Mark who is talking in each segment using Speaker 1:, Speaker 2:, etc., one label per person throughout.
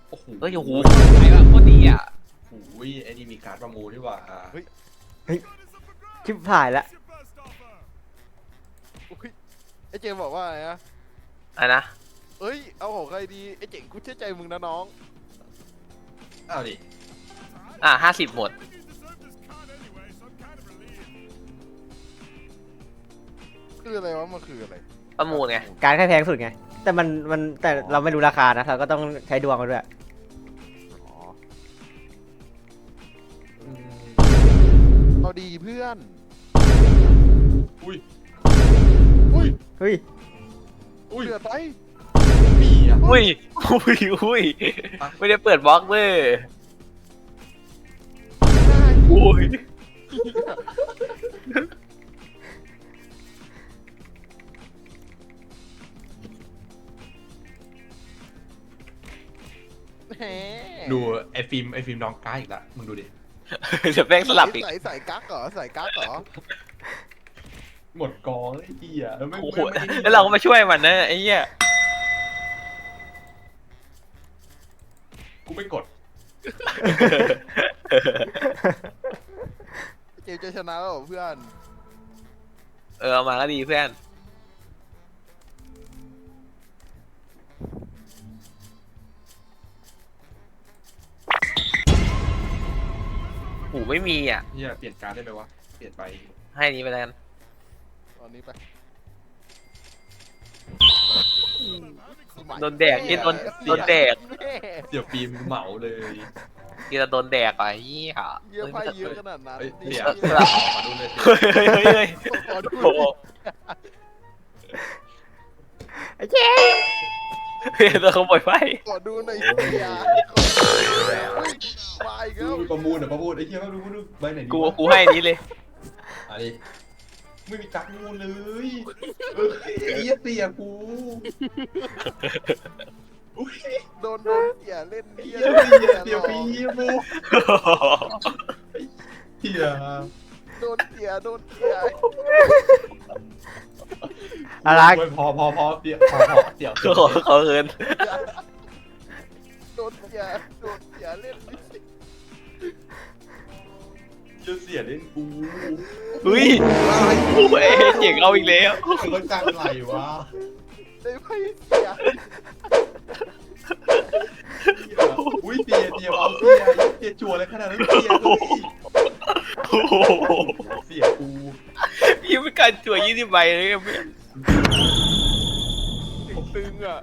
Speaker 1: โอ้โห
Speaker 2: เอ้ยโอ้โหไอ้แบบโคตรดีอ่ะ
Speaker 1: โอ้ยไอ้นี่มีการ์ดประมูลดีกว่า
Speaker 3: เฮ้ย
Speaker 4: ชิบหายละ
Speaker 3: อุ๊ยไอ้เจมบอกว่าอะไรนะ
Speaker 2: อะไรนะ
Speaker 3: เอ้ยเอาของใครดีไอ้เจ๋งกูเชื่อใจมึงนะน้อง
Speaker 1: เอาดิ
Speaker 2: 50หมด
Speaker 3: คืออะไรวะมันคืออะไร
Speaker 2: ประมูลไง
Speaker 4: การแค่แพงสุดไงแต่มันแต่เราไม่รู้ราคานะเราก็ต้องใช้ดวงกันด้วย
Speaker 3: อ๋อ
Speaker 1: อืม
Speaker 3: เอาดีเพื่อน
Speaker 1: อุ้ย
Speaker 3: อุ้ย
Speaker 4: เฮ้ย
Speaker 1: อุ้ย
Speaker 3: เดือดไป
Speaker 1: มีอ่ะ
Speaker 2: อุ้ยอุ้ยไม่ได้เปิดบล็อกเว้ยอุ้ย
Speaker 3: แหม
Speaker 1: ดูไอ้ฟิล์มน้องก้าอีกละมึงดูดิ
Speaker 2: เดี๋ยวแม่งสลับอีก
Speaker 3: ใส่กั๊กเหรอใส่กั๊กเหรอ
Speaker 1: หมดกองเลยไอ้เหี้ยแล้วไม่
Speaker 2: โอ้โห
Speaker 1: ไม่ไม่
Speaker 2: แล้วเราก็มาช่วยมันนะไอ้เหี้ย
Speaker 1: กูไม่กด
Speaker 3: เจมจะชนะแล้วเหรอเพื่อน
Speaker 2: เอามาก็ดีเพื่อนโอ้ไม่มีอ่ะ
Speaker 1: เหี้ยเปลี่ยนการ์ดได้ไหมวะเปลี่ยนไป
Speaker 2: ให้นี้ไปแล้วกัน
Speaker 3: ตอนนี้ไป
Speaker 2: โดนแดกที่โดนแดก
Speaker 3: แม่
Speaker 1: เดี๋ยวฟิล์มเหมาเลย
Speaker 2: ที่จะโดนแดกไปเหี้ย
Speaker 3: เยอะไปเยอะขนาดนั้น
Speaker 1: เฮ้ย
Speaker 3: นี่
Speaker 1: เดี๋ยว
Speaker 3: เหี้ย
Speaker 1: ขอดูเลยสิ
Speaker 2: เฮ้ยเฮ้ยเฮ้ย
Speaker 3: ขอดู
Speaker 2: โอ้โห
Speaker 4: ไอ้เจ๊
Speaker 2: เฮ้ยตัวขโมยไฟ
Speaker 3: ขอดูหน่อยเสียอุ้ยมาอีกแล้ว
Speaker 1: ประมูลไอ้เหี้ยไม่รู้ใบไหนดี
Speaker 2: กูให้อันนี้เลย
Speaker 1: อันนี้ไม่มีการ์ดประมูลเลยไอ้เหี้ยเสียกูอุ้ย
Speaker 3: โดนเสียเล่นเหี้ย
Speaker 1: เดี๋ยวฟิล์มเหี้ย
Speaker 3: โดนเสีย
Speaker 4: อะไร
Speaker 1: พอเดี๋ยวเดี๋ยว
Speaker 2: ขอเงิน
Speaker 3: โดนเสียเล่น
Speaker 1: จะเสียเล่นกู
Speaker 2: เฮ้ยโอ้ยเจ๋งเอาอีกแล้ว
Speaker 1: มันจังไหลวะ
Speaker 3: ได้ไม่เสีย
Speaker 1: อุ้ยเสียเอาเสียจั่วเลยขนาดนั้นเสียเลย
Speaker 2: โอ้โห
Speaker 1: เสียกู
Speaker 2: ยังไม่การจั่ว20 ใบเลยเพื่อน
Speaker 3: ตึงอ่ะ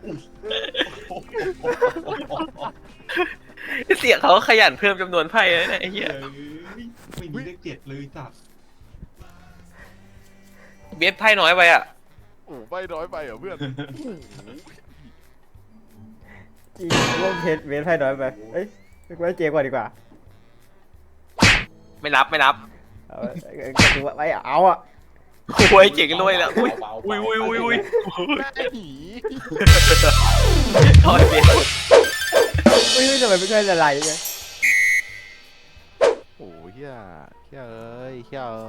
Speaker 2: เสียเขาขยันเพิ่มจำนวนไพ่เลยนะไอ้เหี้ย
Speaker 1: ไม่มีเลข7เลยจัด
Speaker 2: เบสไพ่น้อยไปอ่ะ
Speaker 3: โอ้ไปน้อยไปเหรอเพื่อน
Speaker 4: จริงร่วมเพชรเวทไพ่น้อยไปเอ้ยไว้เจ๊กว่าดีกว่า
Speaker 2: ไม่นับ
Speaker 4: เอาก็ถือว่าไว้เอาอ่ะ
Speaker 2: โอ้ยเจ๋งรวยแล้วอุ้ยอุ้ย
Speaker 3: หน้าหนี
Speaker 2: ถอยเบส
Speaker 4: ไม่รู้ทำไมไม่ใช่ละลายเลย
Speaker 3: โอ้เฮียเอ้ย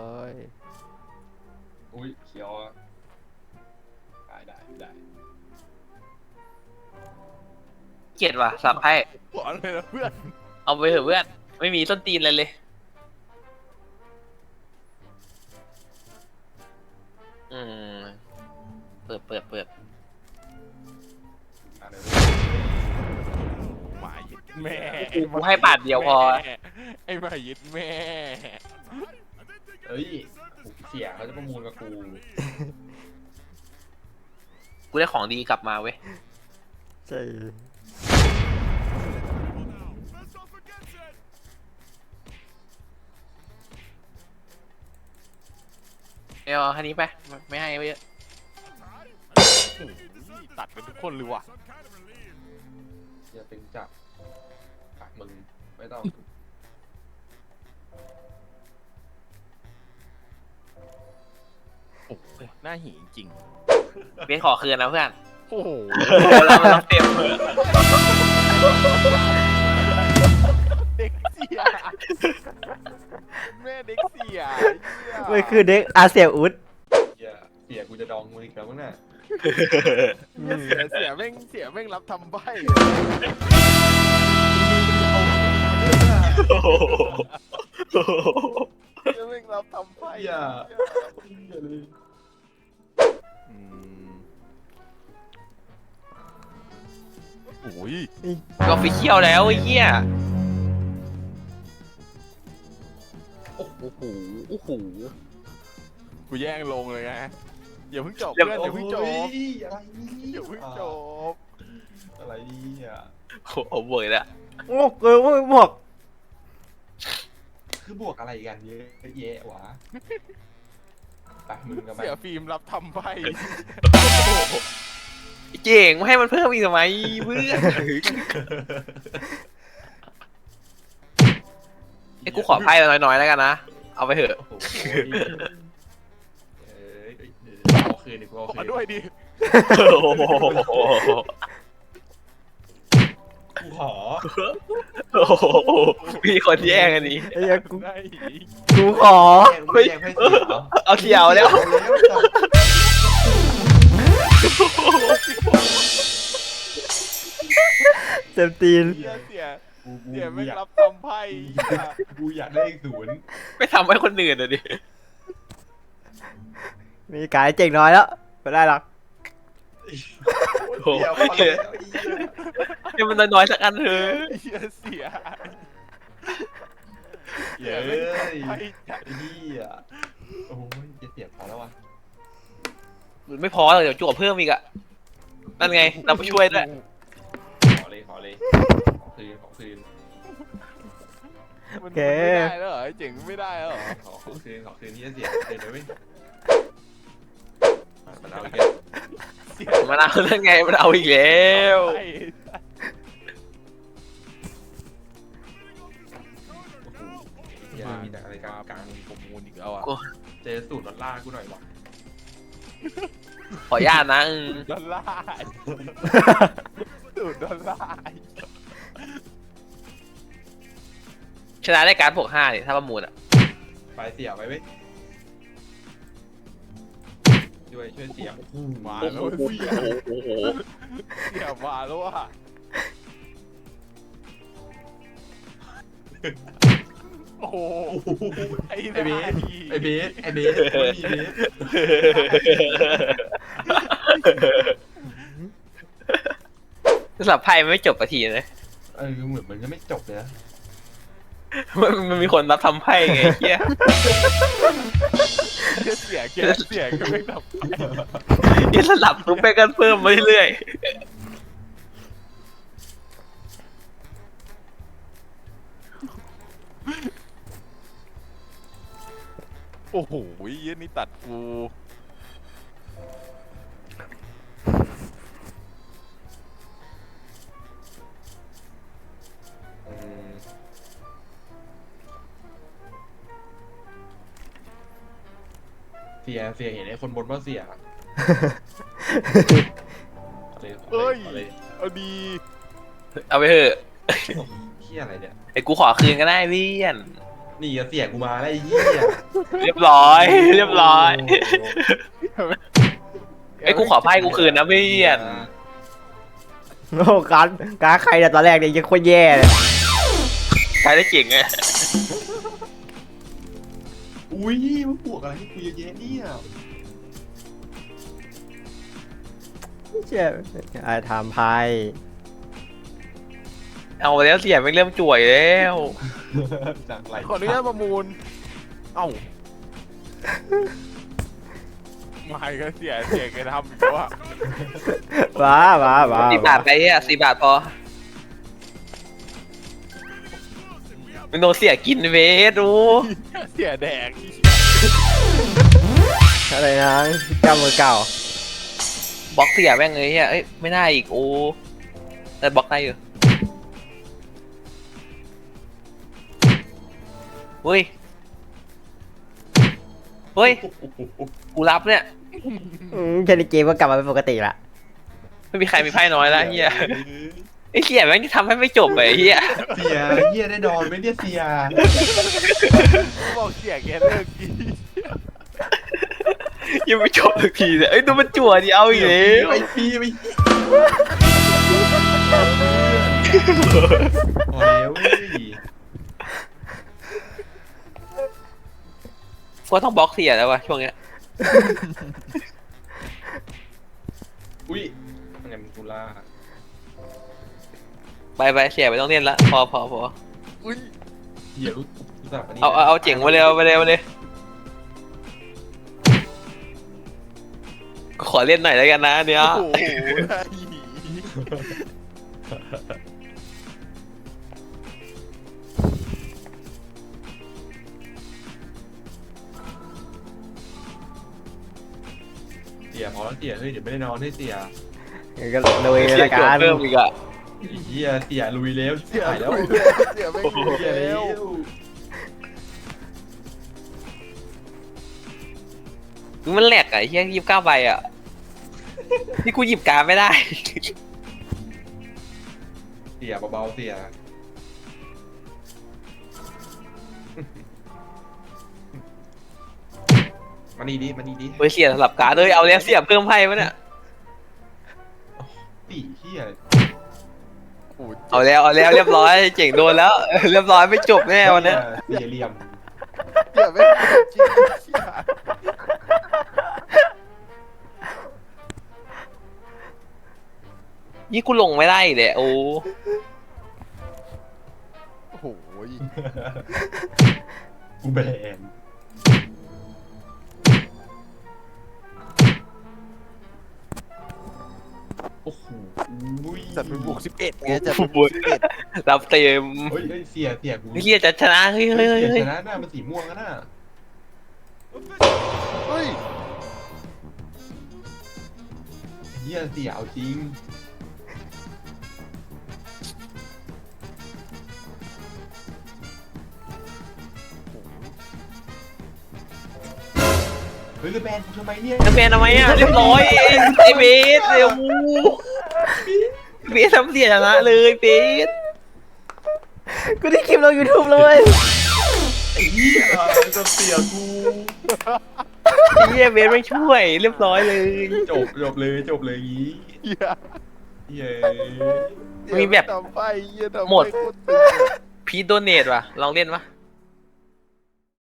Speaker 1: อุ้ยเขียวได้
Speaker 2: เกลียดว่ะสับไพ่
Speaker 3: หวานเลยนะเพื่อน
Speaker 2: เอาไปเถอะเพื่อนไม่มีส้นตีนอะไรเลยอืมเปิด
Speaker 3: หมายึดแม่
Speaker 2: กูให้บาทเดียวพอ
Speaker 3: ไอ้หมายึดแม่
Speaker 1: เฮ้ยเสียเขาจะประมูลกับกู
Speaker 2: กูได้ของดีกลับมาเว้ย
Speaker 4: ใช่
Speaker 2: เอาแค่นี้ไปไม่ให้ไปเยอะ
Speaker 3: ตัดเป็นทุกคนเลยว่ะ
Speaker 1: อย่าเป็นจับมึงไม่ต้อง
Speaker 3: โอ้ยหน้าหีจริง
Speaker 2: เบสขอคืนนะเพื่อน
Speaker 3: โอ้โห
Speaker 2: เราไม่ต้องเต็มเลย
Speaker 3: เด็กเสียแม่เด็กเสีย
Speaker 4: มันคือเด็กอาเซียอุด
Speaker 1: เสียกูจะดองมึงอีกแล้วมั้งน่ะ
Speaker 3: เสียแม่งรับทำใบ
Speaker 2: โอ้โห
Speaker 3: เสียแม่งรับทำใบ
Speaker 1: อย่า
Speaker 3: โอ้ย
Speaker 2: ก็ฟิเชียลแล้วไอ้เหี้ย
Speaker 3: โอ้โหโอ้โหกูแย่งลงเลยไงอย่าเพิ่งจบเพื่อนอย่าเพิ่งจบ
Speaker 1: อะไรนี่
Speaker 3: อย่าเพิ่งจบ
Speaker 1: อะไรนี่อ่ะ
Speaker 2: โอ้โหบวยละ
Speaker 4: โอ้เกินหมวก
Speaker 1: คือบวกอะไรกันเยอะแยะวะไปมึงกับมัน
Speaker 3: เสียฟิล์มรับทำใบ
Speaker 2: เจ๋งไม่ให้มันเพิ่มอีกทำไมเพื่อนไอ้กูขอไพ่น้อยๆแล้วกันนะเอาไปเถอะ
Speaker 1: โอ้โหเอาคืนดิกูเอา
Speaker 3: ข
Speaker 1: คื
Speaker 3: อน ด้วยดิ
Speaker 2: โอ้โห
Speaker 1: กูขอ
Speaker 2: โอ้โหมีคนแย่งอันนี้
Speaker 4: ไอ้เหี้ยกู
Speaker 3: ได้
Speaker 4: กูขอ
Speaker 1: ไม่แย่งให้เสียเหรอ
Speaker 2: เอาเขียวแล้ว
Speaker 4: เต็มตีน
Speaker 3: เสียเสีย
Speaker 1: กู
Speaker 3: เสียแม่ง
Speaker 1: อยาก
Speaker 3: รับทำไพ่
Speaker 1: กูอยากได้อีกศูนย์
Speaker 2: ไม่ทำให้คนอื่นอ่ะดิ
Speaker 4: มีกายเจ๋งน้อยแล้วไม่ได้หรอก
Speaker 2: โอ้โห
Speaker 1: เดี๋ยวพอแล้ว
Speaker 2: ให้มันน้อยๆสักอันเถอะ
Speaker 3: เสียเสีย
Speaker 1: เย้
Speaker 3: แม่ง
Speaker 1: ย
Speaker 3: ทำไพ่จัด
Speaker 1: ไอ้เหี้ยโอ้ยจะเสียบพอแล้ววะ
Speaker 2: ไม่พอเลยเดี๋ยวจั่วเพิ่มอีกอะนั่นไงเราไปช่วยด้วย
Speaker 1: ขอเลยขอคืน
Speaker 3: มันไม่ได้แล้วเหรอเจ๋งไม่ได้แล้วเหรอ
Speaker 1: ขอคืนที่จะเสียเดี๋ยวไม่มันเอาอีกแล้ว
Speaker 3: เสีย
Speaker 2: มันเอานั่นไงมันเอาอีกแล้ว
Speaker 3: ไพ่
Speaker 1: เหี้ยมีแต่อะไรกลาง
Speaker 3: ประมูลอีกแล้วอ่ะ
Speaker 1: เจอสูตรดอลลาร์กูหน่อยวะ
Speaker 2: ขออนุญาตนะ
Speaker 3: ดอลลาร์สูตรดอลลาร์
Speaker 2: ชนะได้การ์ดบวก5เนี่ยถ้าประมูลอะ
Speaker 1: ไปเสียไปเว้ยช่วยเสีย
Speaker 3: มา
Speaker 2: โอ้
Speaker 3: แล้ว
Speaker 2: โห
Speaker 3: เสีย
Speaker 2: โอ้โห
Speaker 3: เสียมาแล้วอ่ะโอ้โหไอ้
Speaker 1: ไอเบส
Speaker 3: ไอ้
Speaker 1: ไม่มีเบส
Speaker 2: สำหรับไพ่มันไม่จบสักทีนะ
Speaker 1: เหมือนมันจะไม่จบเลยนะ
Speaker 2: มันมีคนรับทำไพ่ไงเฮีย
Speaker 3: เสียแกเสียก็ไม่ดับ
Speaker 2: ยัสลับทุกไปกันเพิ่มมาเรื่อย
Speaker 3: โอ้โหยี่นี่ตัดกู
Speaker 1: เสียเห็นไอ้คนบนว่าเสียเลย
Speaker 3: เอาดี
Speaker 2: ๆเอาไปเถอะ
Speaker 1: เฮียอะไรเนี่ย
Speaker 2: ไอ้กูขอคืนก็ได้เพี่อน
Speaker 1: นี่เสียกูมาแล้วไอ้เหี้ย
Speaker 2: เรียบร้อยเรียบร้อยไอ้กูขอไพ่กูคืนนะเพี่อน
Speaker 4: โอ้การใครแต่ตอนแรกเนี่ยยังโคตรแย่เลย
Speaker 2: ใช้ได้เก่งไง
Speaker 1: อุ้ยมันบวกอะไรให้กูเยอะแยะเนี่ย
Speaker 4: เชี่ยไอ้ทำไพ่
Speaker 2: เอาแล้วเสียไม่เริ่มจ่วยแล้ว
Speaker 1: จากไหล
Speaker 3: ขออนุญาตประมูลเอ้าไม่ก็เสียแกทำอีกแล้วอะ
Speaker 4: ว้า
Speaker 2: 4 บาทไปอ่ะ4 บาทพอมันโดนเสียกินเวสดู
Speaker 3: เสียแดก
Speaker 4: อะไรนะเจ้ามือเก่า
Speaker 2: บล็อกเสียแม่งเลยเอ้ยไม่ได้อีกโอ้แต่บล็อกได้อยู่เฮ้ยกูรับเนี่ย
Speaker 4: แค่ในเกมก็กลับมาเป็นปกติละ
Speaker 2: ไม่มีใครมีไพ่น้อยแล้วเฮียไอ้เสียแม่งทำให้ไม่จบเลยเฮีย
Speaker 1: เสียเหี้ยได้ดอนไหมเนี่ยเสีย
Speaker 3: บอกเสียแกเลิกดี
Speaker 2: ยังไม่จบสักทีเลยเอ้ยดูมันจั่วดิเอาอีกแล้ว
Speaker 1: ไปปีไปพอแล้วเว้ย
Speaker 2: ก็ต้องบล็อกเสียแล้ววะช่วงเนี้ย
Speaker 1: อุ้ยยังไงมึงกูล่า
Speaker 2: ไปเสียไปต้องเล่นละพอ
Speaker 3: อุ้ย
Speaker 1: เหี้ยรู้จักปะนี่ย
Speaker 2: เอาเจ๋งมาเร็วมาเลยขอเล่นหน่อยแล้วกันนะเนี่ย
Speaker 3: โอ้โหได้หนี
Speaker 1: เสียพอแล้วเสียเฮ้ยเดี๋ยวไม่ได้นอนให้เสีย
Speaker 4: ก็เลย
Speaker 2: เสีย
Speaker 4: ละ
Speaker 2: จั่ว
Speaker 4: กัน
Speaker 2: เพิ่มอีกอะ
Speaker 1: ไอ้เหี้ยเสียลุยแล้ว
Speaker 3: เสีย
Speaker 1: หายแล้ว
Speaker 3: เสียไม่
Speaker 2: โอ้โห
Speaker 3: คุย
Speaker 1: เสีย
Speaker 3: แล้
Speaker 1: แล้ว ว
Speaker 2: มันแหลกอะเฮีย29ใบอะนี่กูหยิบการดไม่ได้
Speaker 1: เสียเบาๆเสียมานี่ดิมานี่ดิ
Speaker 2: เฮ้ยเสียสลับการดเลยเอาแล้วเสียเพิ่มไพ่ปะเนี่ย
Speaker 1: ปีเหี้ย
Speaker 3: โอ้โห
Speaker 2: เอาแล้วเรียบร้อยเจ๋งโดนแล้ว เรียบร้อยไม่จบแน่วันเนี้ย
Speaker 1: เสียเหลี่ยม
Speaker 3: เสียไม่จริงเสีย
Speaker 2: นี่กูลงไม่ได้อีกเลยโอ้
Speaker 3: โอ้โห
Speaker 1: กูแบนโอ้โหอุ้ย
Speaker 3: จัดเป็นบวก11ไงจัดเป็นบวก11
Speaker 2: รับเต็ม
Speaker 1: เฮ้ยเฮ้ยเสียกู
Speaker 2: เฮียจะชนะเฮ้ย
Speaker 1: เสียชนะหน้ามันสีม่วงอะน่ะ
Speaker 3: เฮ้ย
Speaker 1: เฮียเสียเอาจริงเฮ้ยแล้วแบนกูทำไมเนี่ย
Speaker 2: จะเป็นทำไมอ่ะเรียบร้อยไอ้เบสเร็วเบสทำเสียชนะเลยเบส
Speaker 4: กูได้คลิปลง YouTube เลย
Speaker 1: ไอ้เหี้ยจะเสียกู
Speaker 2: เฮียเบสไม่ช่วยเรียบร้อยเลย
Speaker 1: จบเลยงี้
Speaker 3: เหี้ย
Speaker 1: เหี้ย
Speaker 2: มีแบบ
Speaker 3: ทำไปเหี้ยทำไป
Speaker 2: หมด
Speaker 3: โคตรตึงอะ
Speaker 2: พีทโดเนทว่ะลองเล่นปะ